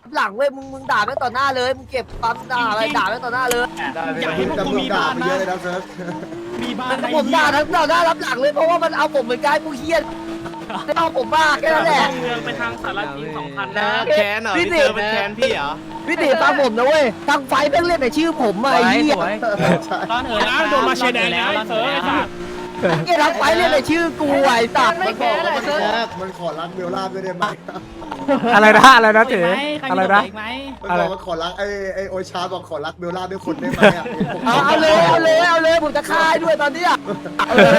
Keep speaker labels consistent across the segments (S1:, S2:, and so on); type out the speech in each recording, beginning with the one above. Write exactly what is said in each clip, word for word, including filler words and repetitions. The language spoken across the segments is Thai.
S1: หลังเว้ยมึงมึงด่าแม่งต่อหน้าเลยมึงเก็บปั๊มด่าอะไรด่าแม่งต่อหน้าเลย
S2: อยากให้พวกกูมีบ้านนะมีบ้าน
S1: ผมด่าทั้งต่อหน้ารับหลังเลยเพราะว่ามันเอาผมเหมือนกันกูเครียดเอาผมบ้าแค่นั้นแหละ
S2: เมืองไปทางสารทิศสองพันนะ
S3: แคนเหรอพี่เจอเป็นแคนพี่เหรอ
S1: พี่ตีฟังผมนะเว้ยทางไฟแม่งเล่นแต่ชื่อผมอะไอ้เหี้ย
S2: ร้านเอ๋นะโดนมาเชยแดงแล้วร้านเอ๋ไอ้สัส
S1: ไอ้ทางไฟเล่นแต่ชื่อกูไอ้สัตว์
S4: มันบอกว่ามันขอมันขอรักเบลล่าด้วยได้ไหม
S5: อะไรนะอะไรนะเต๋อะไรนะ
S4: มันบอกว่าขอรักไอ้ไอ้โอชาบอกขอรักเบลล่าด้วยคนได้ไหมอ่ะ
S1: เอาเอาเลยเอาเลยเอาเลยผมจะฆ่าด้วยตอนเนี้ยเอาเลย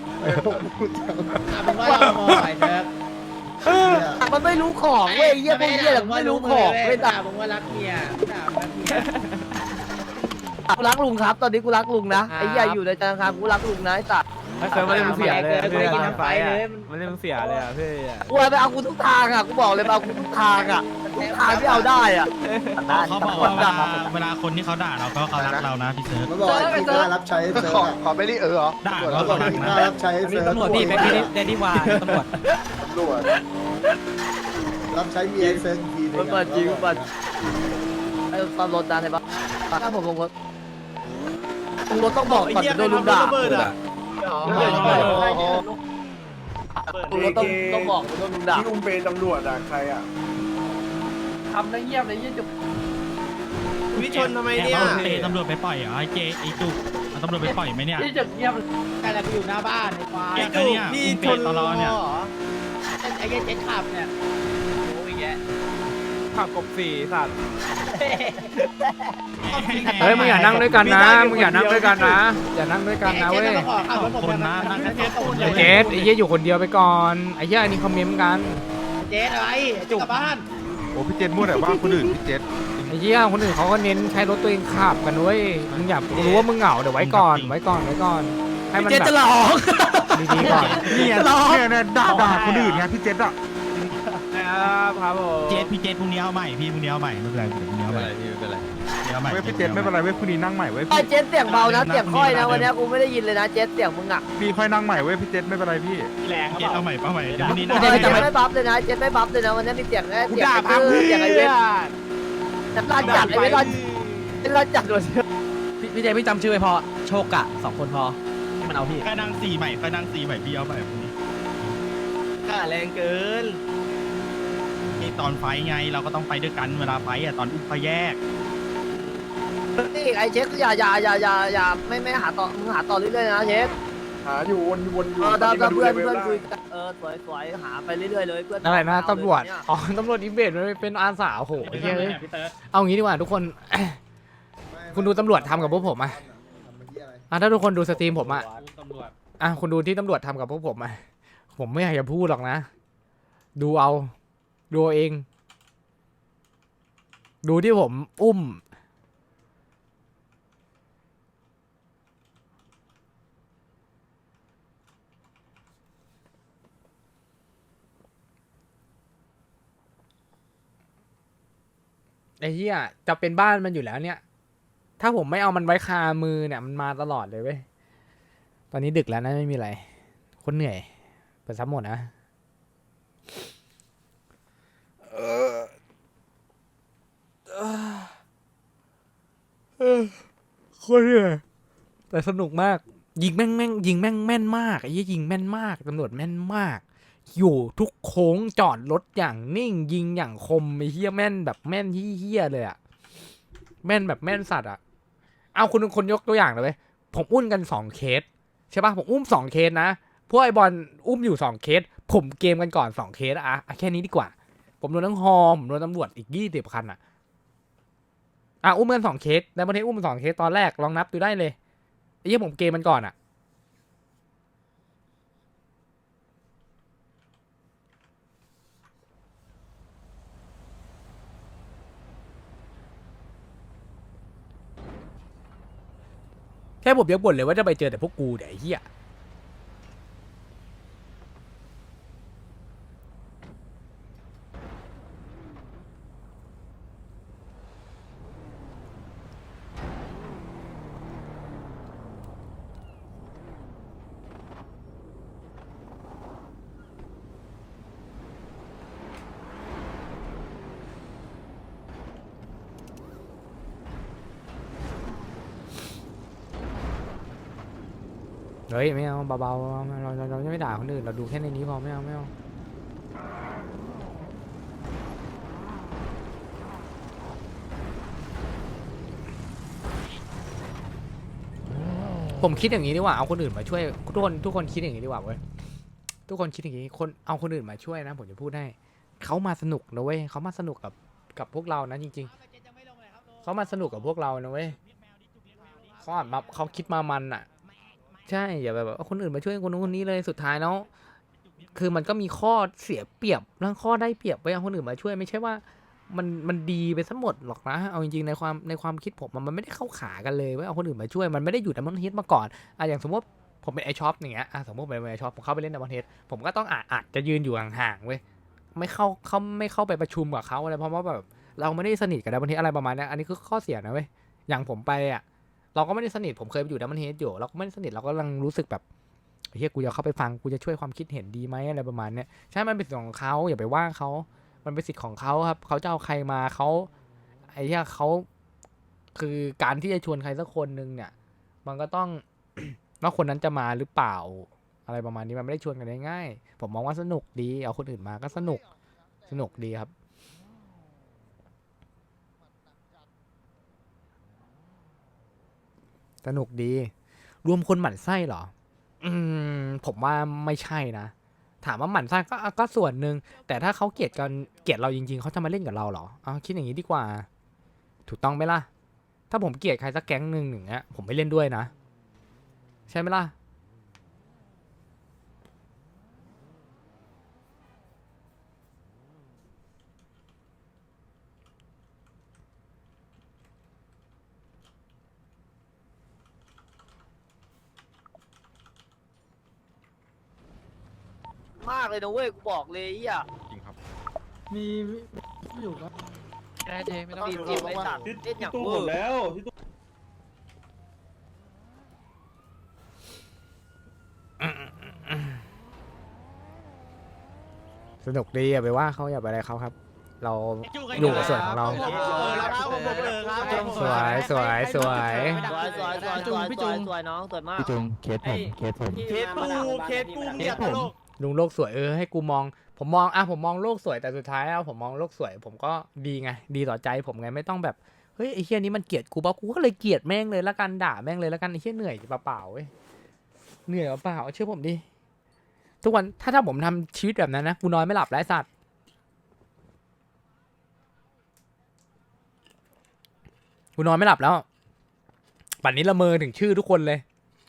S3: เป็นว่าเรามองไปเถอะ
S1: มันไม่รู้ของเว้ยเหี้ยพวกเหี้ยแต่ไม่รู้ของเว้ย
S3: ด่า
S1: ด่า
S3: ผมว่ารักเมียด่ารักเมีย
S1: กูรักลุงครับ ตอนนี้กูรักลุงนะไอ้เหี้ยอยู่ในธนาคารกูรักลุงนะไอ้สัตว์
S5: ไม่เคยไม่ได้มึงเสียเลยเพื่อนทางไฟอ่ะไม่ได้มึงเสียเลยอ่ะเพื่อน
S1: กูไปเอากูทุกทางอ่ะกูบอกเลยไปเอากูทุกทางอ่ะทุกทางที่เอาได้อ่ะ
S2: เขาบอกว่าเวลาเวลาคนที่เขาด่าเราก็เขารักเรานะพี่เซิร์ฟ
S4: มันบอกไอ้ที่กล้ารับใช้เซิร์ฟอ่ะ
S6: ขอไม่ได้เออเหรอ
S2: ด่า
S4: มัน
S2: เรา
S4: บอก
S2: รัก
S4: ที่ก
S2: นะ
S4: ล้ารับใช้เซิร์ฟ
S5: ตำรวจพี่เป็นพี่ได้ดีกว่าตำรวจ
S6: ตำรวจ
S4: รับใช้เมียเซิร์ฟทีนึง
S1: มันเปิดจริงมันเปิดไอ้ตอนรถดันใช่ปะถ้าผมลงรถลงรถต้องบอกก่อนจะโดนลุงด่าลงรถต้องต้องบอกโดนลุงด่า
S6: ที่อุ้มเป็นตำรวจอ่ะใครอ่ะ
S1: ทำได้เงียบเลยยี่จุก
S3: วิชนทำไมเนี่ย
S2: เตะตำรวจไปปล่อยเหรอไอ้เจไอ้จุกเอาตำรวจไปปล่อยไหมเนี่ย
S1: ยี่จุกเงียบ
S3: แต่เราอยู่หน้าบ้านในควาย
S2: ไอ้จุกพี่ชนตลอดเนี่ย
S3: ไอ้เจ๊เจ๊ขับเนี่ยโอ้ยแก
S5: ขับกบสี่สัตว์เฮ้ยมึงอย่านั่งด้วยกันนะมึงอย่านั่งด้วยกันนะอย่านั่งด้วยกันนะเว้ย
S2: คนนะนั่งแค่แค่คน
S5: เจสไอ้เหี้ยอยู่คนเดียวไปก่อนไอ้เหี้ยอันนี้คอมเมนต์กัน
S3: เจ๊อะไรจุกกลับบ้าน
S6: โอ้พี่เจษมั่วแต่ว่าคนอื่นพี่เจษ
S5: ไอ้เหี้ยคนอื่นเขาก็เน้นใช้รถตัวเองขับกันเว้ยมึงอย่ารู้ว่ามึงเหงาเดี๋ยวไว้ก่อนไว้ก่อนไว้ก่อนให้มัน
S1: เจ๊
S5: แบบ
S1: จะหลอก
S5: ดีๆก่อน
S6: เนี่ยเนี่ยเนี่ยด่าด่าคนอื่นไงพี่เจษอ่ะ
S5: ครับผม
S2: เจพี่เจพรุ่งนี้เอาใหม่พี่พรุ่งนี้เอาใหม่ไม่เป็นไรเดี๋ยวพรุ่งนี้เอาใหม่ไม่เป็นไรเอาใหม่
S6: เว้ยพี่เจษไม่เป็นไรเว้ยพรุ่งนี้นั่งใหม่เว้ย
S1: ไอ้เจ๊เสียงเบานะเสียงค่อยนะวันนี้กูไม่ได้ยินเลยนะเจ๊เสียงมึงอ่ะ
S6: พี่ค่อยนั่งใหม่เว้ยพี่เจษไม่เป็นไรพี่
S2: แรงเจเอาใหม่เอาใหม่เดี๋ยวพรุ่งนี้
S1: เจ๊ไม่บัฟเลยนะเจ๊ไม่บัฟเลยนะวันนี้มีเสียงแค่เสียงไอ้เสียงไอ้เวทแต่ลานจัดไอ้เวทลานลานจัดเลย
S7: พี่เจพี่จำชื่อไว้พอโชคกะสองคนพอที่มันเอาพี่
S2: ใครนั่งสี่ใหม่ใครนั่งสี่ใหม่พี่เอาใหม่พรุ่งนี้
S3: กล้าแรงเกิน
S2: นี่ตอนไฟไงเราก็ต้องไปด้วยกันเวลาไฟอ่ะตอนอุ้มไฟแยก
S1: นี่ไอ้เช็คอย่าอย่าอย่าอย่าอย่าไม่ไม่หาต่อมึงหาต่อเรื่อยๆนะเช็ค
S6: หาอยู่วนวนอยู่
S1: เออถ้าเพื่อนเพื่อนคุยกันเออสวยสวยหาไปเรื่อยๆเลยเพื่อน
S5: อะไรนะตำรวจอ๋อตำรวจอิมเบดมันเป็นอาสาโอ้โหไอ้เหี้ยเอ้ยเอางี้ดีกว่าทุกคน คุณดูตำรวจทำกับพวกผมอ่ะอ่ะถ้าทุกคนดูสตรีมผมอ่ะอ่ะคุณดูที่ตำรวจทำกับพวกผมอ่ะผมไม่อยากจะพูดหรอกนะ ดูเอาดูเอาเอง ดูที่ผมอุ้มไอ้เหี้ยจะเป็นบ้านมันอยู่แล้วเนี่ย ถ้าผมไม่เอามันไว้คามือเนี่ยมันมาตลอดเลยเว้ยตอนนี้ดึกแล้วนะไม่มีอะไรคนเหนื่อยเปิดซับหมดนะคนเหนื่อยแต่สนุกมากยิงแม่งแม่งยิงแม่งแม่นมากไอ้ยี่ยิงแม่นมากตำรวจแม่นมากอยู่ทุกโค้งจอดรถอย่างนิ่งยิงอย่างคมไอ้เหี้ยแม่นแบบแม่นเหี้ยเลยอะแม่นแบบแม่นสัตว์อะเอาคุณคนยกตัวอย่างเลยเว้ยผมอุ้มกันสองเคสใช่ปะผมอุ้มสองเคสนะพวกไอ้บอลอุ้มอยู่สองเคสผมเกมกันก่อนสองเคสอะแค่นี้ดีกว่าผมโดนทั้งฮอผมโดนตำรวจอีกยี่สิบคันอะอ่ะอุ้มกันสองเคสในประเทศอุ้มสองเคสตอนแรกลองนับดูได้เลยไอ้ยี่ผมเกมมันก่อนอะแค่ผมยังบ่นเลยว่าจะไปเจอแต่พวกกูเดี๋ยวไอ้เหี้ยเฮ้ยไม่เอาเบาๆเราเราเราไม่ด่าคนอื่นเราดูแค่ในนี้พอไม่เอาไม่เอาผมคิดอย่างนี้ดีกว่าเอาคนอื่นมาช่วยทุกคนทุกคนคิดอย่างนี้ดีกว่าเว้ยทุกคนคิดอย่างนี้คนเอาคนอื่นมาช่วยนะผมจะพูดให้เขามาสนุกนะเว้ยเขามาสนุกกับกับพวกเรานะจริงๆเขามาสนุกกับพวกเรานะเว้ยเขาอ่ะมาเขาคิดมามันอ่ะใช่อย่าแบบเอาคนอื่นมาช่วยคนนู้นคนนี้เลยสุดท้ายแล้วคือมันก็มีข้อเสียเปรียบและข้อได้เปรียบไว้เอาคนอื่นมาช่วยไม่ใช่ว่ามันมันดีไปทั้งหมดหรอกนะเอาจริงๆในความในความคิดผมมันมันไม่ได้เข้าขากันเลยว่าเอาคนอื่นมาช่วยมันไม่ได้อยู่ดับเบิลเฮดมาก่อนอ่ะอย่างสมมติผมเป็นไอช็อปอย่างเงี้ยอ่ะสมมติเป็นไอช็อปผมเข้าไปเล่นดับเบิลเฮดผมก็ต้องอาจอาจจะยืนอยู่ห่างๆเว้ยไม่เข้าเขาไม่เข้าไปประชุมกับเขาอะไรเพราะว่าแบบเราไม่ได้สนิทกับดับเบิลเฮดอะไรประมาณนี้อันนี้คือข้อเสียนะเว้ยอย่างผมไปอ่ะเราก็ไม่ได้สนิทผมเคยไปอยู่ดับเบิลเฮดอยู่เราก็ไม่ได้สนิทเราก็กำลังรู้สึกแบบเฮ้ยกูจะเข้าไปฟังกูจะช่วยความคิดเห็นดีไหมอะไรประมาณเนี้ยใช่มันเป็นสิทธิ์ของเขาอย่าไปว่าเขามันเป็นสิทธิ์ของเขาครับเขาจะเอาใครมาเขาไอ้เหี้ยเขาคือการที่จะชวนใครสักคนนึงเนี่ยมันก็ต้อง ว่าคนนั้นจะมาหรือเปล่าอะไรประมาณนี้มันไม่ได้ชวนกันง่ายๆผมมองว่าสนุกดีเอาคนอื่นมาก็สนุกสนุกดีครับสนุกดีรวมคนหมั่นไส้เหรออืมผมว่าไม่ใช่นะถามว่าหมั่นไส้ก็ก็ส่วนหนึ่งแต่ถ้าเขาเกลียดกันเกลียดเราจริงๆเขาจะมาเล่นกับเราเหรอเอาคิดอย่างนี้ดีกว่าถูกต้องไหมล่ะถ้าผมเกลียดใครสักแก๊งหนึ่งอย่างเงี้ยผมไม่เล่นด้วยนะใช่ไหมล่ะ
S1: มากเลยนะเว้ยกูบอกเลยอ่ะ
S6: จริงครับ
S3: มีอยู่ครับ
S7: ได้เจไม่ต้อง
S1: จีบจีบไอ้สัตว์เล่นอย่างเวอร์
S5: สนุกดีอย่าไปว่าเขาอย่าไปอะไรเขาครับ เราอยู่กับส่วนของเรา สวยสวยสวย
S1: สวยสวยสวยสวยสวยสวยน้องสวยมาก
S8: พี่จุงเคสผมเคสผม
S1: เคสกูเคสกูเนี่ยตลก
S5: ลุงโลกสวยเออให้กูมองผมมองอ่ะผมมองโลกสวยแต่สุดท้ายแล้วผมมองโลกสวย ผมก็ดีไงดีต่อใจผมไงไม่ต้องแบบเฮ้ยไอ้เฮียนี้มันเกลียดกูป่ะกูก็เลยเกลียดแม่งเลยละกันด่าแม่งเลยละกันไอ้เฮียเหนื่อยเปล่าๆเว้ยเหนื่อยเปล่าเชื่อผมดิทุกวันถ้าถ้าผมทำชีวิตแบบนั้นนะกูนอนไม่หลับไร้สัตว์กูนอนไม่หลับแล้วป่านนี้ละเมอถึงชื่อทุกคนเลย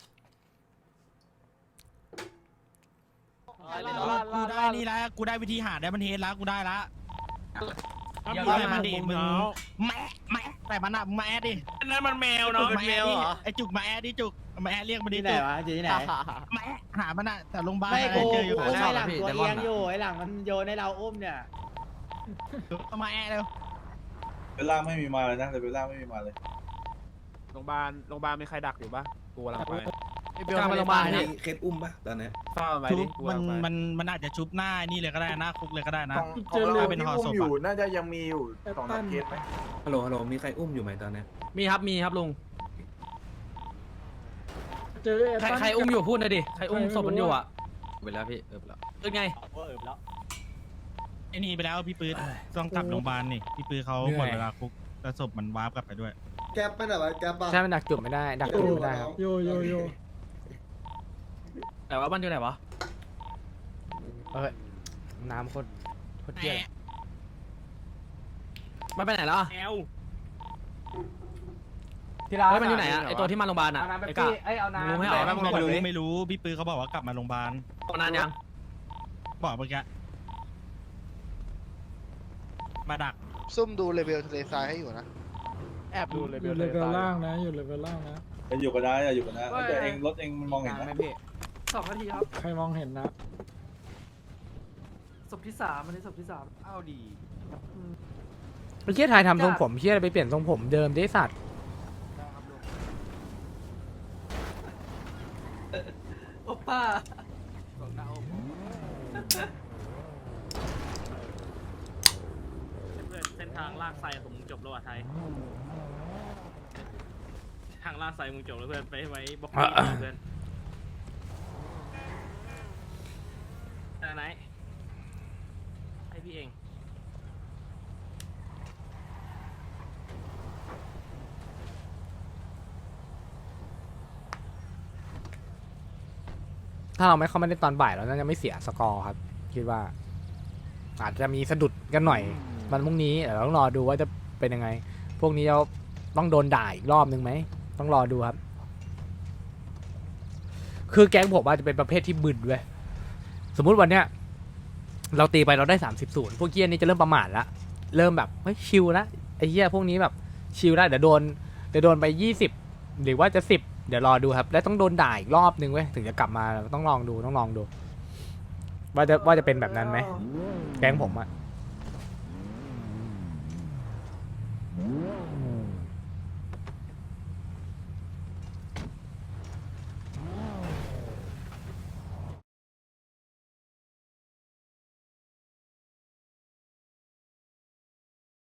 S2: กูได้นี่แล้วกูได้วิธีหาได้มันเฮดแล้วกูได้ละเดี๋ยวให้มันดิมึงแมะแมะแต่มันอะมึงมาแอดดินั่นมันแมวเนาะแมวเหรอไอจุกมาแอดดิจุกมาแอดเรียกมันดิ
S3: ที่ไหน
S2: จุก
S3: วะอยู่ที่ไหน
S2: แมะหามันอะแต่โรงพยาบาล
S3: ไม่
S2: อะไร
S3: กู
S2: เจออยู่
S3: กูไอ้หลังตัวเอียงอยู่ไอ้หลังมันโยนให้เราอุ้มเนี่ย
S2: มาแอดเร็ว
S9: เบลล่าไม่มีมาเลยนะแต่เบลล่าไม่มีมาเลย
S6: โรงพยาบาลโรงพยาบาลมีใครดักอยู่ปะกูกำลังไป
S7: กลางโรงพยาบาลนี่
S9: เคสอุ้มปะตอนนี้
S6: เฝ้าไป
S2: ชุ
S6: ดิ
S2: บ
S6: กู
S2: มัน
S6: กำลังไป
S2: มันมันอาจจะชุบหน้านี่เลยก็ได้หน้าคุกเลยก็ได้นะ
S6: ของ
S2: เจอเลยเป็นห่อศพอะ
S6: น่าจะยังมีอยู่สองสามเคสไหม
S9: ฮัลโหลฮัลโหลมีใครอุ้มอยู่ไหมตอนนี้
S7: มีครับมีครับลุง
S3: เจอ
S7: ใครใครอุ้มอยู่พูดหน่อยดิใครอุ้มศพมันอยู่อ่ะ
S8: ไปแล้วพี่เออไปแล้ว
S7: เป็นไง
S2: ไอ้นี่ไปแล้วพี่ปื๊ดต้องกลับโรงพยาบาลนี่พี่ปื๊ดเขาหมดเวลาคุกแล้วศพมันวาร์ปกลับไปด้วย
S4: แก๊ปไม่ได้วะแก๊ปปะ
S5: ใช่มันดักจุดไม่ได้ดักจุดไม่ได้ครับ
S3: โยโยโย
S7: แต่ว่ามันอยู่ไหนวะ
S5: เอ้ยน้ำโคตรโคตรเยี่ย
S7: มันไปไหนแล้วอะ
S2: แอล
S5: ที่ร้าน
S7: เฮ้ยมันอยู่ไหนอะไอตัวที่มาโรงพยาบาลอะ
S5: เอาน้ำไป
S7: ไอ้กะ
S5: พี่เอ้ยเอาน้ำ
S7: รู้ไหมเหรอ
S5: ป
S2: ไม่
S5: หมดเล
S2: รู้
S5: ย
S2: ไม่รู้พี่ปื๊ดเขาบอกว่ากลับมาโรงพยาบาล
S7: นานยัง
S2: บอกเมื่อกี้มาดัก
S10: ซุ่มดูเลเวลทะเลทรายให้อยู่นะ
S3: แอบดูเลยอยู่เลเวลล่างนะอยู่เลเวลล่างนะ
S9: จะอยู่กันได้จะอยู่กันได้แต่เองรถเองมันมองเห็นนะ
S3: สองนาทีครับใครมองเห็นนะศพที่สามอันนี้ศพที่สาม
S2: เอาดี
S5: ไอ้เชี่ยไทยทำทรงผมเชี่ยอะไรไปเปลี่ยนทรงผมเดิมดิสัตว์
S3: โอป้า
S11: เส้นทางลากไซของมึงจบแล้วอ่ะไทยทางลากไซมึงจบแล้วเพื่อนไปไว้บอกเพื่อน
S5: าเราไม่เข้ามาเล่นตอนบ่ายเราน่าจะไม่เสียสกอร์ครับคิดว่า อาจจะมีสะดุดกันหน่อยวันพรุ่งนี้เดี๋ยวเราต้องรอดูว่าจะเป็นยังไง พวกนี้เราต้องโดนด่าอีกรอบนึงไหมต้องรอดูครับ คือแก๊งผมอาจจะเป็นประเภทที่บึนเว้ยสมมุติวันเนี้ยเราตีไปเราได้สามสิบศูนย์พวกเกี้ยนี่จะเริ่มประมาทละเริ่มแบบเฮ้ยชิลละไอ้เหี้ยพวกนี้แบบชิลละเดี๋ยวโดนเดี๋ยวโดนไปยี่สิบหรือว่าจะสิบเดี๋ยวรอดูครับ แล้วต้องโดนด่าอีกรอบนึงเว้ยถึงจะกลับมาต้องลองดูต้องลองดู ว่าจะว่าจะเป็นแบบนั้นไหมแก๊งผมอะ